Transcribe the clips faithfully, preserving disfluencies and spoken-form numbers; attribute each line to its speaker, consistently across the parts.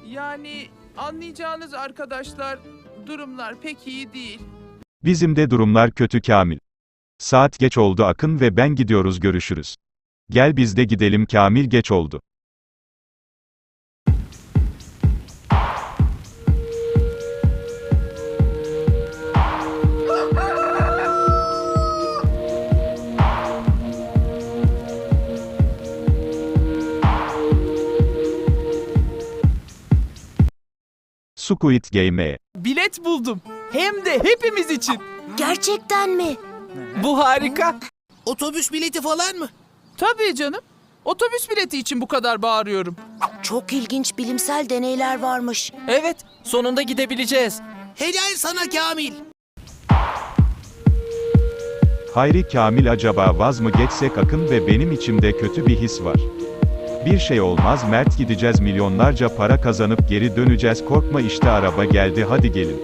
Speaker 1: Yani anlayacağınız arkadaşlar, durumlar pek iyi değil.
Speaker 2: Bizim de durumlar kötü Kamil. Saat geç oldu Akın ve ben gidiyoruz görüşürüz. Gel biz de gidelim Kamil geç oldu. Squid Game'e.
Speaker 1: Bilet buldum. Hem de hepimiz için.
Speaker 3: Gerçekten mi?
Speaker 1: Bu harika.
Speaker 4: Otobüs bileti falan mı?
Speaker 1: Tabii canım. Otobüs bileti için bu kadar bağırıyorum.
Speaker 3: Çok ilginç bilimsel deneyler varmış.
Speaker 5: Evet, sonunda gidebileceğiz.
Speaker 4: Helal sana Kamil.
Speaker 2: Hayri Kamil acaba vaz mı geçsek Akın ve benim içimde kötü bir his var. Bir şey olmaz Mert gideceğiz milyonlarca para kazanıp geri döneceğiz korkma işte araba geldi hadi gelin.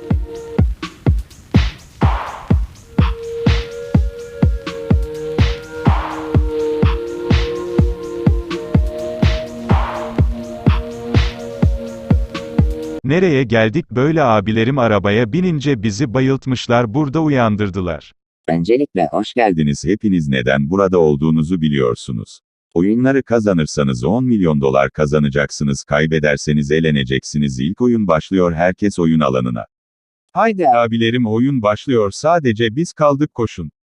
Speaker 2: Nereye geldik böyle abilerim arabaya binince bizi bayıltmışlar burada uyandırdılar.
Speaker 6: Öncelikle hoş geldiniz. Hepiniz neden burada olduğunuzu biliyorsunuz. Oyunları kazanırsanız on milyon dolar kazanacaksınız, kaybederseniz eleneceksiniz. İlk oyun başlıyor, herkes oyun alanına. Haydi abilerim oyun başlıyor, sadece biz kaldık koşun.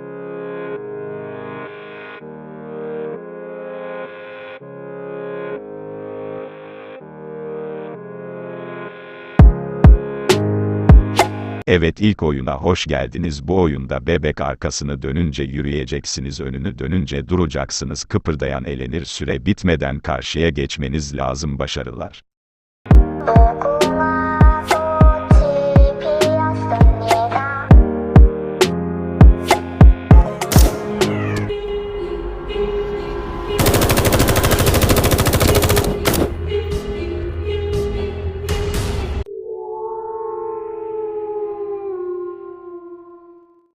Speaker 2: Evet ilk oyuna hoş geldiniz. Bu oyunda bebek arkasını dönünce yürüyeceksiniz, önünü dönünce duracaksınız, kıpırdayan elenir, süre bitmeden karşıya geçmeniz lazım, başarılar.